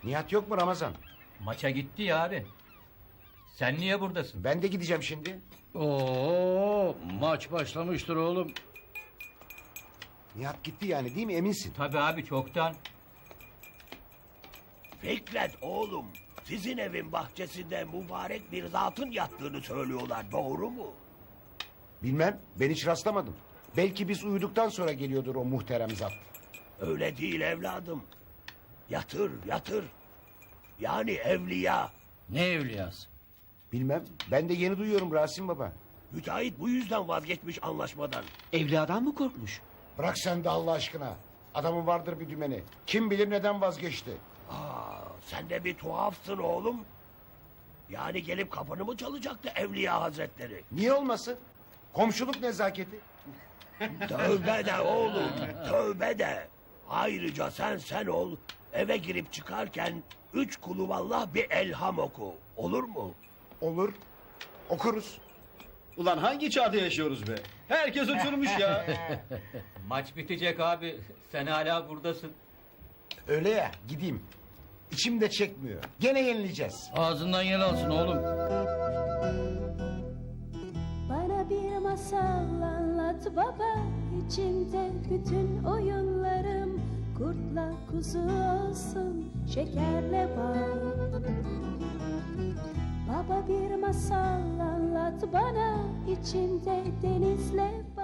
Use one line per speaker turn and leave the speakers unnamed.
Nihat yok mu Ramazan?
Maça gitti ya abi. Sen niye buradasın?
Ben de gideceğim şimdi.
Oo, maç başlamıştır oğlum.
Nihat gitti yani değil mi, eminsin?
Tabii abi, çoktan.
Fikret oğlum, sizin evin bahçesinde mübarek bir zatın yattığını söylüyorlar, doğru mu?
Bilmem, ben hiç rastlamadım. Belki biz uyuduktan sonra geliyordur o muhterem zat.
Öyle değil evladım. Yatır, yatır. Yani evliya.
Ne evliyası?
Bilmem, ben de yeni duyuyorum Rasim Baba.
Müteahhit bu yüzden vazgeçmiş anlaşmadan.
Evliyadan mı korkmuş?
Bırak sen de Allah aşkına. Adamın vardır bir dümeni. Kim bilir neden vazgeçti.
Sen de bir tuhafsın oğlum. Yani gelip kapını mı çalacaktı Evliya Hazretleri?
Niye olmasın? Komşuluk nezaketi.
Tövbe de oğlum, tövbe de. Ayrıca sen ol, eve girip çıkarken 3 kuluvallah bir elham oku. Olur mu?
Olur. Okuruz.
Ulan hangi çağda yaşıyoruz be? Herkes uçurmuş ya.
Maç bitecek abi. Sen hala buradasın.
Öyle ya, gideyim. İçim de çekmiyor. Gene yenileceğiz.
Ağzından yer alsın oğlum.
Bana bir masal anlat baba, içinde bütün oyunlarım. Kurtla kuzu olsun, şekerle bal. Baba bir masal anlat bana, içinde denizle